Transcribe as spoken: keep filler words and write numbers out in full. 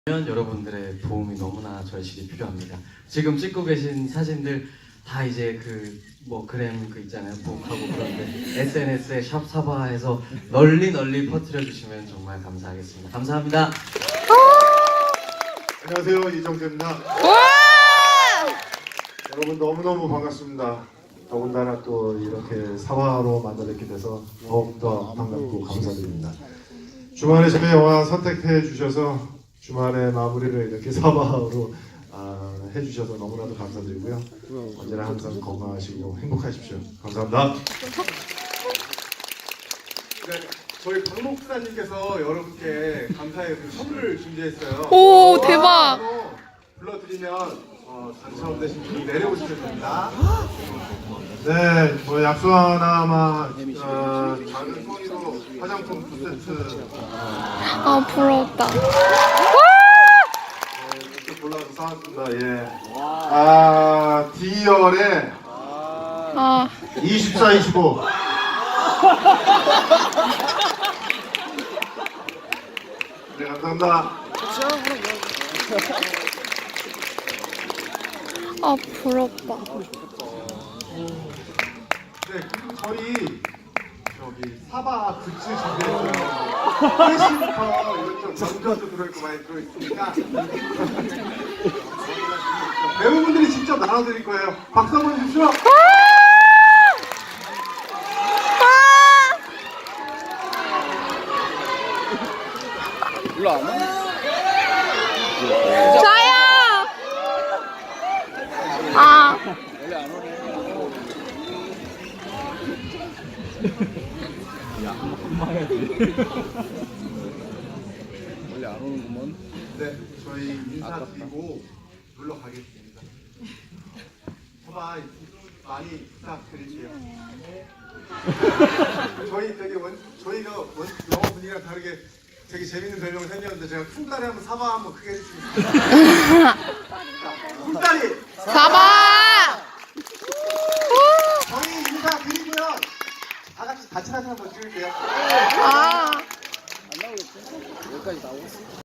여러분들의 도움이 너무나 절실히 필요합니다. 지금 찍고 계신 사진들 다 이제 그 뭐 그램 그 있잖아요, 북하고 그런데 에스엔에스에 샵 사바해서 널리 널리 퍼뜨려 주시면 정말 감사하겠습니다. 감사합니다. 안녕하세요, 이정재입니다. 여러분 너무너무 반갑습니다. 더군다나 또 이렇게 사화로 만나뵙게 돼서 더욱더 반갑고 감사드립니다. 주말에 저희 영화 선택해 주셔서 주말에 마무리를 이렇게 사화로 아, 해주셔서 너무나도 감사드리고요. 언제나 항상 건강하시고 행복하십시오. 감사합니다. 네, 저희 박 목사님께서 여러분께 감사의 그 선물을 준비했어요. 오, 대박! 불러드리면 어, 당첨되신 분이 내려오시면 됩니다. 네, 뭐 약속 하나만 어, 작은 소리로 화장품 두 세트 아, 부럽다. 이렇게 골라서 사왔습니다. 예. 아, 디얼의 아, 이십사, 이십오. 네, 감사합니다. 아, 부럽다. 네, 그리고 저희 저기 사바 굿즈 준비했어요. 회신부터 이것저것 전자도 들어있고 많이 들어있으니까 배우분들이 직접 나눠드릴 거예요. 박수 한번 주십시오. 저요! 아, 원래 안 오는구먼. 네, 저희 인사드리고 물러가겠습니다. 사바 많이 부탁드릴게요. 저희 되게 원, 저희가 원, 영어 분위기랑 다르게 되게 재밌는 별명을 생겼는데 제가 쿵다리 한번 사바 한번 크게 해주시겠습니다. 쿵다리! 사바! 저희 인사드리고요. 다 같이 같이 사진 한번 찍을게요. 아. 안 나오겠지? 여기까지 나오겠어?